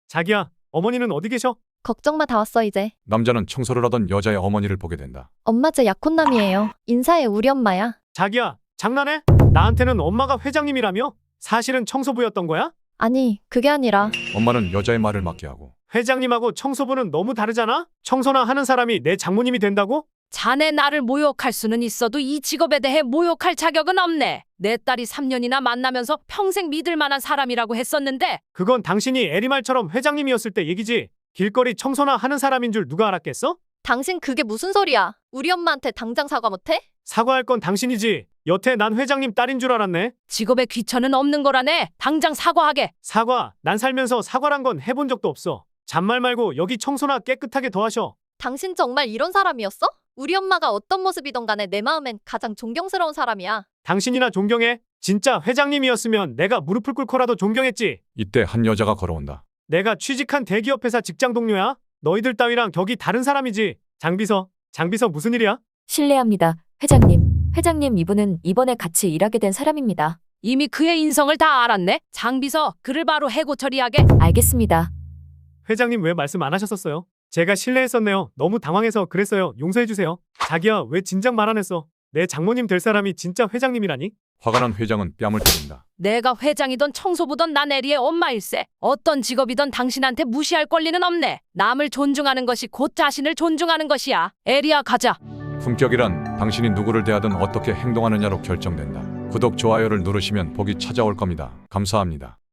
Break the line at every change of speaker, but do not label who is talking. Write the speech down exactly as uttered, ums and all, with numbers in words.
자기야, 어머니는 어디 계셔?
걱정 마, 다 왔어 이제.
남자는 청소를 하던 여자의 어머니를 보게 된다.
엄마 제 약혼남이에요. 인사해, 우리 엄마야.
자기야, 장난해? 나한테는 엄마가 회장님이라며? 사실은 청소부였던 거야?
아니, 그게 아니라
엄마는 여자의 말을 맞게 하고
회장님하고 청소부는 너무 다르잖아? 청소나 하는 사람이 내 장모님이 된다고?
자네 나를 모욕할 수는 있어도 이 직업에 대해 모욕할 자격은 없네. 내 딸이 삼 년이나 만나면서 평생 믿을 만한 사람이라고 했었는데
그건 당신이 에리말처럼 회장님이었을 때 얘기지. 길거리 청소나 하는 사람인 줄 누가 알았겠어?
당신 그게 무슨 소리야? 우리 엄마한테 당장 사과 못해?
사과할 건 당신이지. 여태 난 회장님 딸인 줄 알았네.
직업에 귀천은 없는 거라네. 당장 사과하게.
사과, 난 살면서 사과란 건 해본 적도 없어. 잔말 말고 여기 청소나 깨끗하게 더 하셔.
당신 정말 이런 사람이었어? 우리 엄마가 어떤 모습이던 간에 내 마음엔 가장 존경스러운 사람이야.
당신이나 존경해? 진짜 회장님이었으면 내가 무릎을 꿇고라도 존경했지.
이때 한 여자가 걸어온다.
내가 취직한 대기업 회사 직장 동료야? 너희들 따위랑 격이 다른 사람이지. 장비서, 장비서 무슨 일이야?
실례합니다. 회장님. 회장님, 이분은 이번에 같이 일하게 된 사람입니다.
이미 그의 인성을 다 알았네. 장비서 그를 바로 해고 처리하게.
알겠습니다.
회장님 왜 말씀 안 하셨었어요? 제가 실례했었네요. 너무 당황해서 그랬어요. 용서해주세요. 자기야, 왜 진작 말 안 했어? 내 장모님 될 사람이 진짜 회장님이라니?
화가 난 회장은 뺨을 때린다.
내가 회장이던 청소부던 난 에리의 엄마일세. 어떤 직업이던 당신한테 무시할 권리는 없네. 남을 존중하는 것이 곧 자신을 존중하는 것이야. 에리야, 가자.
품격이란 당신이 누구를 대하든 어떻게 행동하느냐로 결정된다. 구독, 좋아요를 누르시면 복이 찾아올 겁니다. 감사합니다.